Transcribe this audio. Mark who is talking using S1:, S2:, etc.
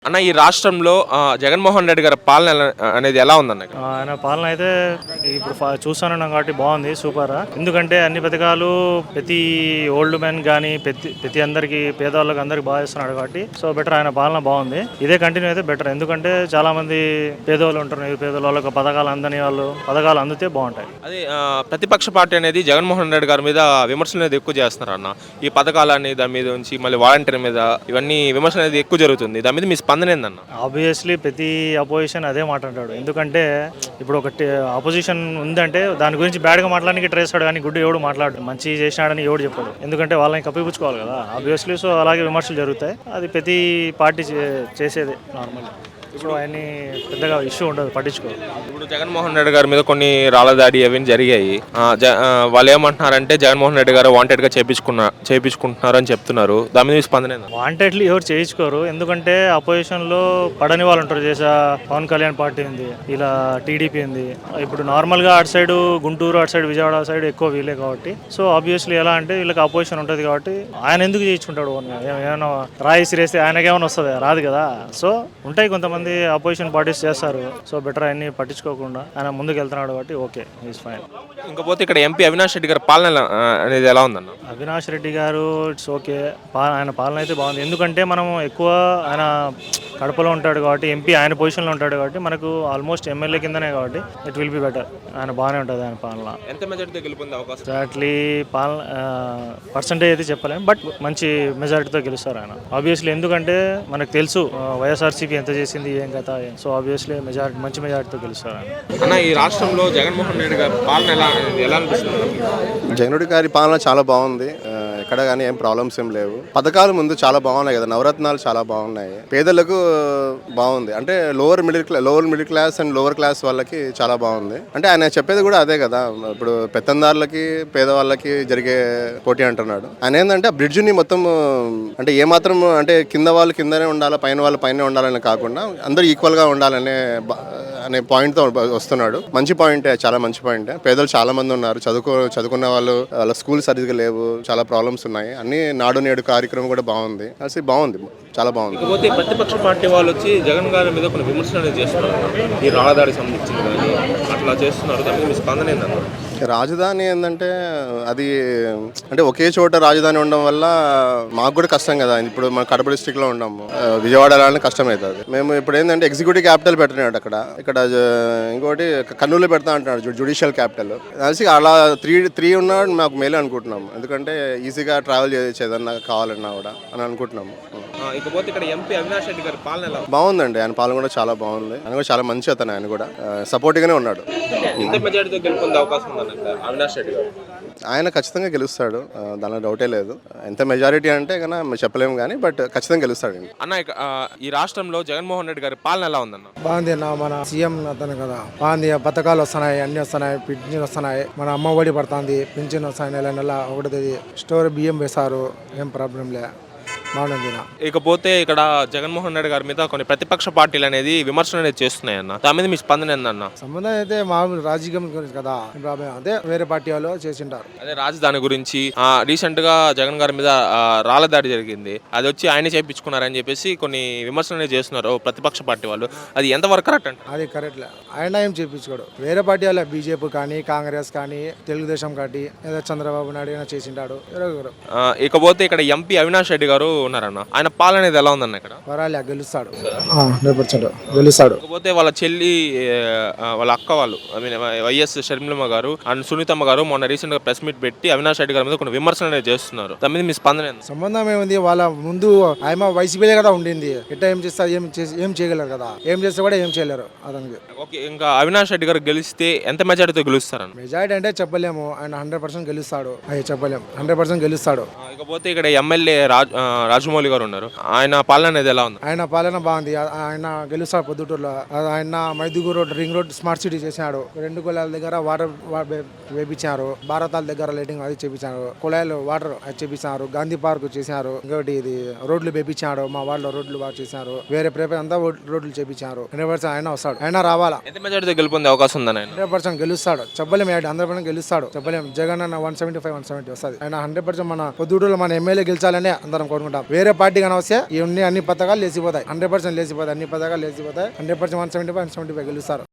S1: అన్న ఈ రాష్ట్రంలో జగన్మోహన్ రెడ్డి గారి పాలన అనేది ఎలా ఉందన్న ఇక్కడ?
S2: ఆయన పాలన అయితే ఇప్పుడు చూస్తున్నాం కాబట్టి బాగుంది, సూపర్. ఎందుకంటే అన్ని పథకాలు ప్రతి ఓల్డ్ మ్యాన్ కానీ ప్రతి అందరికి పేదవాళ్ళకి అందరికి బాగా ఇస్తున్నాడు కాబట్టి సో బెటర్, ఆయన పాలన బాగుంది. ఇదే కంటిన్యూ అయితే బెటర్. ఎందుకంటే చాలా మంది పేదవాళ్ళు ఉంటారు, ఈ పేదవాళ్ళకి పథకాలు అందని వాళ్ళు పథకాలు అందితే బాగుంటాయి.
S1: అదే ప్రతిపక్ష పార్టీ అనేది జగన్మోహన్ రెడ్డి గారి మీద విమర్శలు అనేది ఎక్కువ చేస్తున్నారు అన్న. ఈ పథకాలని దాని మీద ఉంచి మళ్ళీ వాలంటీర్ మీద ఇవన్నీ విమర్శలు అనేది ఎక్కువ జరుగుతుంది. దాని మీద మీ స్పందన ఏందన్న?
S2: ఆబ్వియస్లీ ప్రతి అపోజిషన్ అదే మాట్లాడాడు. ఎందుకంటే ఇప్పుడు ఒకటి అపోజిషన్ ఉందంటే దాని గురించి బ్యాడ్గా మాట్లాడానికి ట్రై చేస్తాడు, కానీ గుడ్ ఎవడు మాట్లాడు, మంచి చేసినాడని ఎవడు చెప్పాడు. ఎందుకంటే వాళ్ళని కప్పిపుచ్చుకోవాలి కదా ఆబ్వియస్లీ. సో అలాగే విమర్శలు జరుగుతాయి, అది ప్రతి పార్టీ చేసేది నార్మల్. ఇప్పుడు ఆయన్ని పెద్దగా ఇష్యూ ఉండదు, పట్టించుకోరు.
S1: ఇప్పుడు జగన్మోహన్ రెడ్డి గారి మీద కొన్ని రాళ్ల దాడి అవన్నీ జరిగాయి. వాళ్ళు ఏమంటున్నారంటే జగన్మోహన్ రెడ్డి గారు వాంటెడ్ గా చేయించుకుంటున్నారు అని చెప్తున్నారు. దాని మీద మీ స్పందన ఏంది?
S2: వాంటెడ్లీ ఎవరు చేయించుకోరు, ఎందుకంటే అపోజిషన్ లో పడని వాళ్ళు ఉంటారు. చేసా పవన్ కళ్యాణ్ పార్టీ ఉంది, ఇలా టీడీపీ ఉంది. ఇప్పుడు నార్మల్ గా అటు సైడ్ గుంటూరు, అటు సైడ్ విజయవాడ సైడ్ ఎక్కువ వీలే కాబట్టి సో ఆబ్వియస్లీ ఎలా అంటే వీళ్ళకి అపోజిషన్ ఉంటుంది కాబట్టి ఆయన ఎందుకు చేయించుకుంటాడు? ఏమైనా రాయి సిరేస్తే ఆయనకేమైనా వస్తుంది? రాదు కదా. సో ఉంటాయి కొంతమంది అపోజిషన్ పార్టీస్ చేస్తారు. సో బెటర్ ఆయన్ని పట్టించుకోకుండా ఆయన ముందుకు వెళ్తున్నాడు కాబట్టి ఓకే, ఈజ్ ఫైన్.
S1: ఇంకపోతే ఇక్కడ ఎంపీ అవినాష్ రెడ్డి గారి పాలన అనేది ఎలా ఉందన్న?
S2: అవినాష్ రెడ్డి గారు ఇట్స్ ఓకే, ఆయన పాలన అయితే బాగుంది. ఎందుకంటే మనం ఎక్కువ ఆయన కడపలో ఉంటాడు కాబట్టి, ఎంపీ ఆయన పొజిషన్లో ఉంటాడు కాబట్టి మనకు ఆల్మోస్ట్ ఎమ్మెల్యే కిందనే కాబట్టి ఇట్ విల్ బి బెటర్. ఆయన బాగానే ఉంటుంది ఆయన పాలన.
S1: ఎంత మెజారిటీతో గెలుపొందే అవకాశం?
S2: ఎగ్జాక్ట్లీ పాలన పర్సంటేజ్ అయితే చెప్పలేము, బట్ మంచి మెజారిటీతో గెలుస్తారు ఆయన ఆబ్వియస్లీ. ఎందుకంటే మనకు తెలుసు వైఎస్ఆర్సీపీ ఎంత చేసింది, ఏం కథ. సో ఆబ్వియస్లీ మంచి మెజారిటీతో గెలుస్తారు ఆయన.
S1: అన్న ఈ రాష్ట్రంలో జగన్మోహన్ రెడ్డి గారి పాలన ఎలా అనిపిస్తుంది?
S3: జగన్ రెడ్డి గారి పాలన చాలా బాగుంది. ఎక్కడ కానీ ఏం ప్రాబ్లమ్స్ ఏం లేవు. పథకాలు ముందు చాలా బాగున్నాయి కదా, నవరత్నాలు చాలా బాగున్నాయి. పేదలకు బాగుంది, అంటే lower middle class and lower class వాళ్ళకి చాలా బాగుంది. అంటే ఆయన చెప్పేది కూడా అదే కదా, ఇప్పుడు పెత్తందారులకి పేదవాళ్ళకి జరిగే పోటీ అంటున్నాడు. ఆయన ఏంటంటే బ్రిడ్జ్ని మొత్తం అంటే ఏమాత్రం అంటే కింద వాళ్ళు కిందనే ఉండాలి, పైన వాళ్ళు పైన ఉండాలని కాకుండా అందరూ ఈక్వల్గా ఉండాలనే పాయింట్తో వస్తున్నాడు. మంచి పాయింటే, చాలా మంచి పాయింటే. పేదలు చాలా మంది ఉన్నారు, చదువుకున్న వాళ్ళు, వాళ్ళ స్కూల్ సరిగ్గా లేవు, చాలా ప్రాబ్లమ్స్ ఉన్నాయి. అన్ని నాడు నేడు కార్యక్రమం కూడా బాగుంది, కలిసి బాగుంది, చాలా బాగుంది.
S1: ఇకపోతే ప్రతిపక్ష పార్టీ వాళ్ళు వచ్చి జగన్ గారి మీద కొన్ని విమర్శలు అనేది చేస్తున్నారు. ఈ రాళ్ళదాడికి సంబంధించింది కానీ అట్లా చేస్తున్నారు. దాని మీద మీ స్పందన ఏందన్నారు?
S3: రాజధాని ఏంటంటే అది అంటే ఒకే చోట రాజధాని ఉండడం వల్ల మాకు కూడా కష్టం కదా. ఇప్పుడు మన కడప డిస్ట్రిక్ట్లో ఉన్నాము, విజయవాడ వెళ్ళాలని కష్టం అవుతుంది. మేము ఇప్పుడు ఏంటంటే ఎగ్జిక్యూటివ్ క్యాపిటల్ పెట్టినాడు ఇక్కడ ఇంకోటి కర్నూలు పెడతా అంటున్నాడు, జ్యుడిషియల్ క్యాపిటల్. కలిసి అలా త్రీ ఉన్నాడు మాకు మేలే అనుకుంటున్నాము. ఎందుకంటే ఈజీగా ట్రావెల్ చేయొచ్చు ఏదన్నా కావాలన్నా కూడా అని అనుకుంటున్నాము.
S1: ఇకపోతే ఇక్కడ ఎంపీ అవినాష్ రెడ్డి గారి పాలన ఎలా
S3: బాగుందండి, ఆయన పాలన కూడా చాలా బాగుంది. ఆయన కూడా చాలా మంచి అతను, ఆయన కూడా సపోర్ట్గానే ఉన్నాడు.
S1: ఎంత మెజారిటీతో గెలుపొందే అవకాశం ఉందన్న అవినాష్ రెడ్డి గారు?
S3: ఆయన ఖచ్చితంగా గెలుస్తాడు, దానిలో డౌటే లేదు. ఎంత మెజారిటీ అంటే కన్నా చెప్పలేము కానీ బట్ ఖచ్చితంగా గెలుస్తాడు.
S1: అన్న ఈ రాష్ట్రంలో జగన్మోహన్ రెడ్డి గారి పాలన ఎలా ఉందన్న?
S4: బాగుంది అన్న, మన సీఎం అతను కదా, బాగుంది. పథకాలు వస్తున్నాయి, అన్ని వస్తున్నాయి, పింఛన్ వస్తున్నాయి, మన అమ్మ ఒడి పడుతుంది, పింఛన్ వస్తాయి, నెల ఒకటి స్టోర్ బియ్యం వేస్తారు, ఏం ప్రాబ్లం లే, బాగుంది.
S1: ఇకపోతే ఇక్కడ జగన్మోహన్ రెడ్డి గారి మీద కొన్ని ప్రతిపక్ష పార్టీలు అనేది విమర్శలు అనేది చేస్తున్నాయి అన్న. దాని మీద మీ స్పందన ఏందన్న?
S4: సంబంధం అయితే మామూలు రాజకీయం గురించి కదా, అదే వేరే పార్టీ వాళ్ళు చేసింటారు.
S1: అదే రాజధాని గురించి రీసెంట్ గా జగన్ గారి మీద రాళ్ల దాడి జరిగింది, అది వచ్చి ఆయన చేయించుకున్నారని చెప్పేసి కొన్ని విమర్శలు అనేది చేస్తున్నారు ప్రతిపక్ష పార్టీ వాళ్ళు. అది ఎంతవరకు కరెక్ట్ అంటే?
S4: అది కరెక్ట్, ఆయన ఏం చేయించుకోడు. వేరే పార్టీ వాళ్ళ బీజేపీ కానీ కాంగ్రెస్ కానీ తెలుగుదేశం కానీ ఏదో చంద్రబాబు నాయుడు అయినా చేసింటాడు.
S1: ఇకపోతే ఇక్కడ ఎంపీ అవినాష్ రెడ్డి గారు ఉన్నారన్న, ఆయన పాలన అనేది ఎలా ఉందన్న? ఇక్కడ
S4: గెలుస్తాడు, 100% గెలుస్తాడు.
S1: ఇకపోతే వాళ్ళ చెల్లి, వాళ్ళ అక్క వాళ్ళు వైఎస్ షర్మిలమ్మ గారు అండ్ సునీతమ్మ గారు మొన్న రీసెంట్ గా ప్రెస్ మీట్ పెట్టి అవినాష్ రెడ్డి గారి మీద కొన్ని విమర్శలు అనేది చేస్తున్నారు. దాని మీద మీ స్పందన ఏంది?
S4: సంబంధం ఏముంది, వాళ్ళ ముందు ఆయన వైసీపీలే కదా ఉండింది, ఎట్లా ఏం చేస్తారు, ఏం చేయగలరు కదా, ఏం చేస్తే కూడా ఏం చేయలేరు అతనికి.
S1: ఓకే, ఇంకా అవినాష్ రెడ్డి గారు గెలిస్తే ఎంత మెజారిటీతో గెలుస్తారన్న?
S4: మెజారిటీ అంటే చెప్పలేము, ఆయన 100% గెలుస్తాడు, అది చెప్పలేము, 100% గెలుస్తాడు.
S1: ఇకపోతే ఇక్కడ ఎమ్మెల్యే రాజమౌళి గారు ఉన్నారు, ఆయన పాలన అనేది ఎలా ఉంది?
S4: ఆయన పాలన బాగుంది, ఆయన గెలుస్తాడు పొద్దుటూరులో. ఆయన Mydukur road, ring road smart city చేశాడు, 2 కులాల దగ్గర వాటర్ వేపించారు, భారతాల దగ్గర లైటింగ్ అది చేపించారు, కుళాయిలు వాటర్ అది చేపించారు, గాంధీ పార్క్ చేశారు, ఇంకోటి ఇది రోడ్లు వేపించాడు, మా వాళ్ళ రోడ్లు బాగా చేశారు, వేరే ప్రేప అంతా రోడ్లు చేపించారు. 100% ఆయన వస్తాడు, ఆయన రావాలా.
S1: ఎంత మెజారిటీతో గెలుపొందే అవకాశం ఉందని?
S4: 100% గెలుస్తాడు, చెప్పలేము, 100% గెలుస్తాడు, చెప్పలేము. జగన్ అన్న 175, 170 వస్తుంది. ఆయన 100% మన పొద్దుటూరులో మన ఎమ్మెల్యే గెలిచాలని అందరం కోరుకుంటాం. గెలుస్తాం. వేరే పార్టీ కానీ వస్తే ఈ అన్ని పథకాలు లేచిపోతాయి. 100% లేచిపోతాయి. అన్ని పథకాలు లేచిపోతాయి. 100% 175 గెలుస్తారు.